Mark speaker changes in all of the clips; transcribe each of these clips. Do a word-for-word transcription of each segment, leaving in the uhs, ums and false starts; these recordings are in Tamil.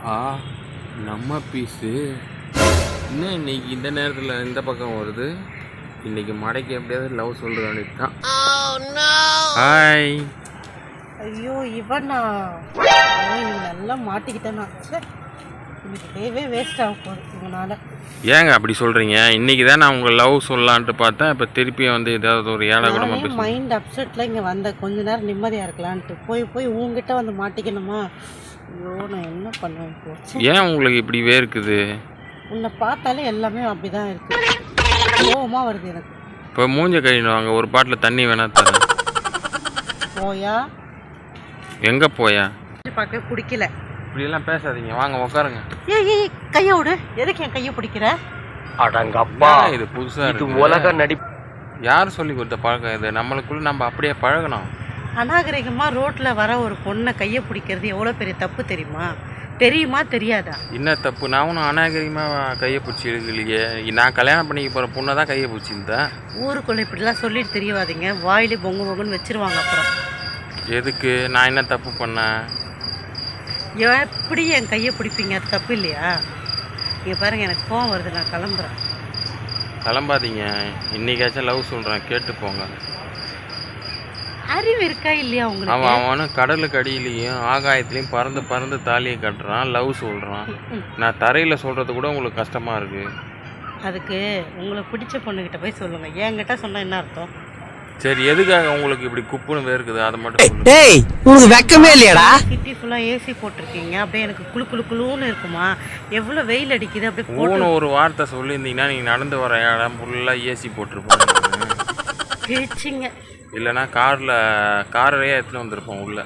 Speaker 1: ஆ நம்ம பீஸு இன்னும் இன்னைக்கு இந்த நேரத்தில் இந்த பக்கம் வருது. இன்னைக்கு மடைக்கு எப்படியாவது லவ் சொல்ற வேண்டியது தான். ஹாய்.
Speaker 2: ஐயோ இவனா இன்னைக்கு நல்லா மாட்டிக்கிட்டேன்னா இன்னைக்கு டேவே வேஸ்ட் ஆக போகுது இவனால.
Speaker 1: ஏங்க அப்படி சொல்கிறீங்க? இன்றைக்கி தான் நான் உங்கள் லவ் சொல்லலான்ட்டு பார்த்தேன். இப்போ திருப்பி வந்து ஏதாவது ஒரு ஏழை கூட
Speaker 2: மைண்ட் அப்செட்டில் இங்கே வந்த கொஞ்ச நேரம் நிம்மதியாக இருக்கலான்ட்டு போய் போய் உங்ககிட்ட வந்து மாட்டிக்கணுமா? ஐயோ நான் என்ன பண்ணுவேன் போச்சு.
Speaker 1: ஏன் உங்களுக்கு இப்படி வேர்க்குது?
Speaker 2: உன்னை பார்த்தாலே எல்லாமே அப்படி தான் இருக்குது. கோவமாக வருது எனக்கு.
Speaker 1: இப்போ மூஞ்ச கழிவாங்க, ஒரு பாட்டில் தண்ணி வேணா தரேன்.
Speaker 2: போயா?
Speaker 1: எங்கே போயா?
Speaker 2: பார்க்க பிடிக்கல.
Speaker 1: இப்படியெல்லாம் பேசாதீங்க, வாங்க உட்காருங்க.
Speaker 2: ஏய் ஏய் கையை விடு. எதுக்கு என் கையை பிடிக்கிற?
Speaker 1: அடங்கப்பா, இது புதுசாக இது உலக நடி. யார் சொல்லி கொடுத்த பழக்கம் இது? நம்மளுக்குள்ள நம்ம அப்படியே பழகணும்.
Speaker 2: அநாகரிகமாக ரோட்டில் வர ஒரு பொண்ணை கையை பிடிக்கிறது எவ்வளோ பெரிய தப்பு தெரியுமா? தெரியுமா தெரியாதா?
Speaker 1: என்ன தப்பு? நான் ஒன்றும் அநாகரிகமாக கையை பிடிச்சி இழுக்கலையே. நான் கல்யாணம் பண்ணிக்க போகிற பொண்ணை தான் கையை பிடிச்சிருந்தேன்.
Speaker 2: ஊருக்குள்ளே இப்படிலாம் சொல்லிட்டு தெரியவாதீங்க, வாயிலே பொங்கு பொங்குன்னு வச்சிருவாங்க. அப்புறம்
Speaker 1: எதுக்கு? நான் என்ன தப்பு பண்ணேன்?
Speaker 2: எப்படி என் கையை பிடிப்பீங்க? அது தப்பு இல்லையா? இங்கே பாருங்கள், எனக்கு கோவம் வருது, நான் கிளம்புறேன்.
Speaker 1: கிளம்பாதீங்க, இன்னைக்காச்சும் லவ் சொல்கிறேன், கேட்டு போங்க.
Speaker 2: அறிவு இருக்கா இல்லையா உங்களுக்கு?
Speaker 1: அவன் அவனும் கடலுக்கு அடியிலையும் ஆகாயத்துலேயும் பறந்து பறந்து தாலியை கட்டுறான், லவ் சொல்கிறான். நான் தரையில் சொல்கிறது கூட உங்களுக்கு கஷ்டமாக இருக்குது.
Speaker 2: அதுக்கு உங்களை பிடிச்ச பொண்ணுக்கிட்ட போய் சொல்லுங்கள். என்கிட்ட சொன்னால் என்ன அர்த்தம்?
Speaker 1: சரி, எதுக்காக உங்களுக்கு இப்படி குப்புன்னு வேர்க்குது அதை மட்டும்
Speaker 3: டேய், உங்களுக்கு வெக்கமே இல்லையாடா?
Speaker 2: சிட்டி ஃபுல்லா ஏசி போட்டிருக்கீங்க, அப்படியே எனக்கு குளு குளு குளுன்னு இருக்குமா? எவ்வளவு வெயில் அடிக்குது. அப்படியே
Speaker 1: போன ஒரு வார்த்தை சொல்லியிருந்தீங்கன்னா நீங்கள் நடந்து வர இடம் ஃபுல்லாக ஏசி போட்டிருப்போம்.
Speaker 2: பேச்சிங்க
Speaker 1: இல்லைன்னா காரில் காரையே எடுத்துன்னு வந்திருப்போம் உள்ள.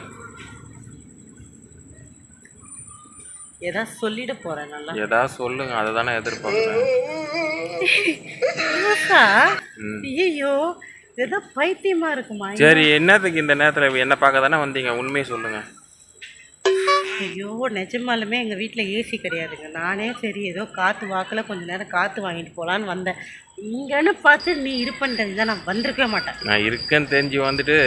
Speaker 2: ஏதாவது சொல்லிட போறேன். நல்லா
Speaker 1: ஏதாவது சொல்லுங்க, அதை தானே எதிர்பார்க்குறேன்.
Speaker 2: ஐயோ ஏதோ பைத்தியமா இருக்குமா?
Speaker 1: சரி, என்னத்துக்கு இந்த நேரத்தில் என்ன பார்க்க தானே வந்தீங்க? உண்மையை சொல்லுங்க.
Speaker 2: ஐயோ நிஜமாலுமே எங்கள் வீட்டில் ஏசி கிடையாதுங்க. நானே சரி ஏதோ காற்று வாக்கில் கொஞ்சம் நேரம் காற்று வாங்கிட்டு போகலான்னு வந்தேன். இங்கன்னு பார்த்து நீ இருப்பேன்னு தெரிஞ்சால் நான் வந்திருக்கவே மாட்டேன்.
Speaker 1: நான் இருக்கேன்னு தெரிஞ்சு வந்துட்டு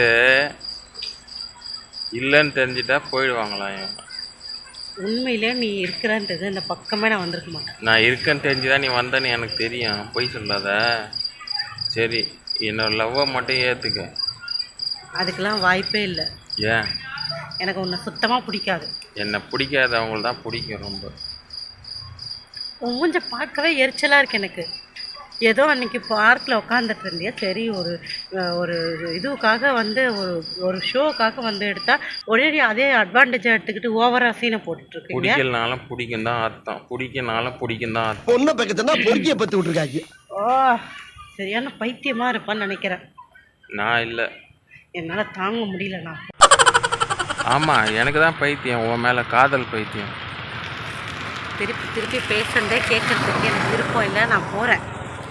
Speaker 1: இல்லைன்னு தெரிஞ்சுட்டா போயிடுவாங்களா?
Speaker 2: உண்மையிலே நீ இருக்கிறன்றது இந்த பக்கமே நான் வந்திருக்க மாட்டேன்.
Speaker 1: நான் இருக்கேன்னு தெரிஞ்சுதான் நீ வந்தேன்னு எனக்கு தெரியும், போய் சொல்லாத. சரி, என்னோட லவ்வை மட்டும் ஏற்றுக்க.
Speaker 2: அதுக்கெல்லாம் வாய்ப்பே இல்லை.
Speaker 1: ஏன்?
Speaker 2: எனக்கு உன்னை சுத்தமாக பிடிக்காது.
Speaker 1: என்னை பிடிக்காது, அவங்களுக்கு தான் பிடிக்கும் ரொம்ப.
Speaker 2: உன் மூஞ்ச பார்க்கவே எரிச்சலாக இருக்கு எனக்கு. ஏதோ அன்றைக்கி பார்க்கில் உட்காந்துட்டு இருந்தியா, சரி ஒரு ஒரு இதுவுக்காக வந்து ஒரு ஒரு ஷோக்காக வந்து எடுத்தால் ஒரே அதே அட்வான்டேஜாக எடுத்துக்கிட்டு ஓவராக சீனை போட்டுட்ருக்கீங்க.
Speaker 1: பிடிக்கலனாலும் பிடிக்கும் தான் அர்த்தம், பிடிக்கனாலும் பிடிக்கும் தான் அர்த்தம்.
Speaker 3: பொண்ணை பக்கத்துனா பொறுக்கிய பற்றி விட்ருக்காங்க.
Speaker 2: ஓ, சரியான பைத்தியமாக இருப்பான்னு நினைக்கிறேன்.
Speaker 1: நான் இல்லை,
Speaker 2: என்னால் தாங்க முடியல. நான்
Speaker 1: ஆமாம், எனக்கு தான் பைத்தியம், உன் மேலே காதல் பைத்தியம்.
Speaker 2: திருப்பி திருப்பி பேசுறதே கேட்கறதுக்கு எனக்கு விருப்பம் இல்லை. நான் போகிறேன்.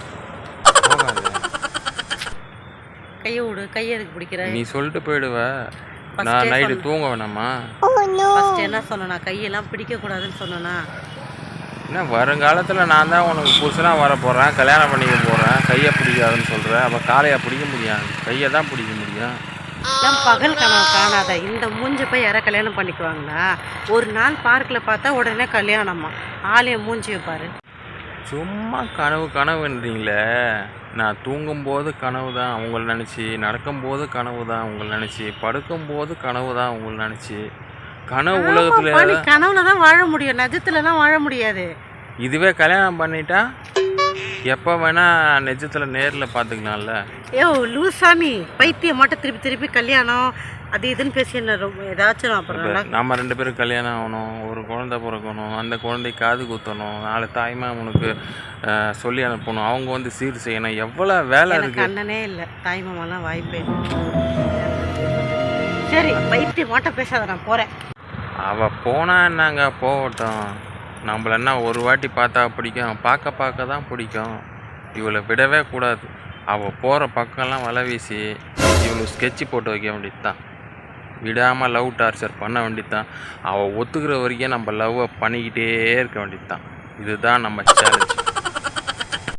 Speaker 2: கையை விடு. கையை எதுக்கு பிடிக்கிற?
Speaker 1: நீ சொல்லிட்டு போயிடுவ. நான் நைட்டு தூங்க வேணாமா?
Speaker 2: ஃபர்ஸ்ட் என்ன சொன்னா? கையெல்லாம் பிடிக்கக்கூடாதுன்னு சொன்னா?
Speaker 1: என்ன வருங்காலத்தில் நான் தான் உனக்கு புதுசனாக வர போகிறேன், கல்யாணம் பண்ணிக்க போகிறேன், கையை பிடிக்காதுன்னு சொல்கிறேன். அப்போ காலையை பிடிக்க முடியாது, கையை தான் பிடிக்க முடியும்.
Speaker 2: நான் பகல் கனவு காணாத இந்த மூஞ்சி போய் யாரை கல்யாணம் பண்ணிக்குவாங்களா? ஒரு நாள் பார்க்கில் பார்த்தா உடனே கல்யாணமா? ஆலய மூஞ்சியை பாரு.
Speaker 1: சும்மா கனவு கனவுன்றீங்களே. நான் தூங்கும்போது கனவு தான் உங்களை நினச்சி, நடக்கும்போது கனவு தான் உங்களை நினச்சி, படுக்கும்போது கனவு தான் உங்களை நினச்சி. கனவு உலகத்தில்
Speaker 2: கனவுல தான் வாழ முடியும், நிஜத்துலலாம் வாழ முடியாது.
Speaker 1: இதுவே கல்யாணம் பண்ணிட்டா எப்போ வேணால் நிஜத்தில் நேரில் பார்த்துக்கலாம்ல.
Speaker 2: ஏ லூசாமி, பைத்தியம் மட்டும் திருப்பி திருப்பி கல்யாணம் அது இதுன்னு பேசி என்ன ரொம்ப ஏதாச்சும். அப்புறம்
Speaker 1: நம்ம ரெண்டு பேரும் கல்யாணம் ஆகணும், ஒரு குழந்தை பிறக்கணும், அந்த குழந்தை காது குத்தணும், நாலு தாய்மா உனக்கு சொல்லி அனுப்பணும், அவங்க வந்து சீர் செய்யணும், எவ்வளோ வேலை இருக்குது.
Speaker 2: அண்ணனே இல்லை, தாய்மாமெல்லாம் வாய்ப்பே. சரி பைத்தியம் மட்டும் பேசாத, நான் போகிறேன்.
Speaker 1: அவள் போனா என்னங்க, போகட்டும். நம்மள என்ன ஒரு வாட்டி பார்த்தா பிடிக்கும், பார்க்க பார்க்க தான் பிடிக்கும். இவளை விடவே கூடாது. அவள் போகிற பக்கம்லாம் வலை வீசி இவளுக்கு ஸ்கெட்சு போட்டு வைக்க வேண்டியது தான். விடாமல் லவ் டார்ச்சர் பண்ண வேண்டியது தான். அவள் ஒத்துக்கிற வரைக்கும் நம்ம லவ்வை பண்ணிக்கிட்டே இருக்க வேண்டியது தான். இதுதான் நம்ம சேலஞ்ச்.